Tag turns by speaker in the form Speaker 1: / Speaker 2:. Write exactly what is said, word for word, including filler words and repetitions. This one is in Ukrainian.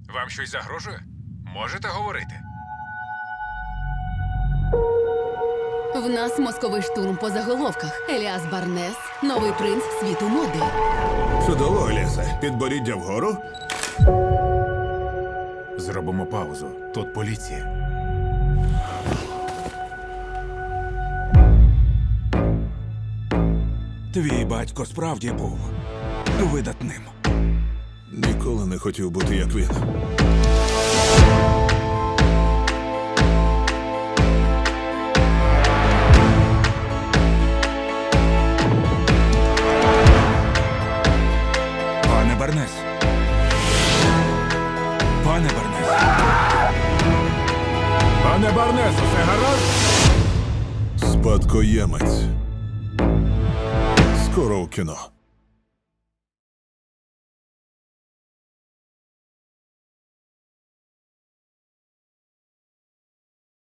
Speaker 1: Вам щось загрожує? Можете говорити?
Speaker 2: В нас мозковий штурм по заголовках. Еліас Барнес – новий принц світу моди.
Speaker 3: Чудово, Еліасе. Підборіддя вгору.
Speaker 1: Зробимо паузу. Тут поліція.
Speaker 4: Твій батько справді був видатним.
Speaker 3: Ніколи не хотів бути, як він.
Speaker 4: Пане Барнес. Пане Барнес.
Speaker 1: Пане Барнес, усе гаразд?
Speaker 3: Спадкоємець. Скоро у кіно.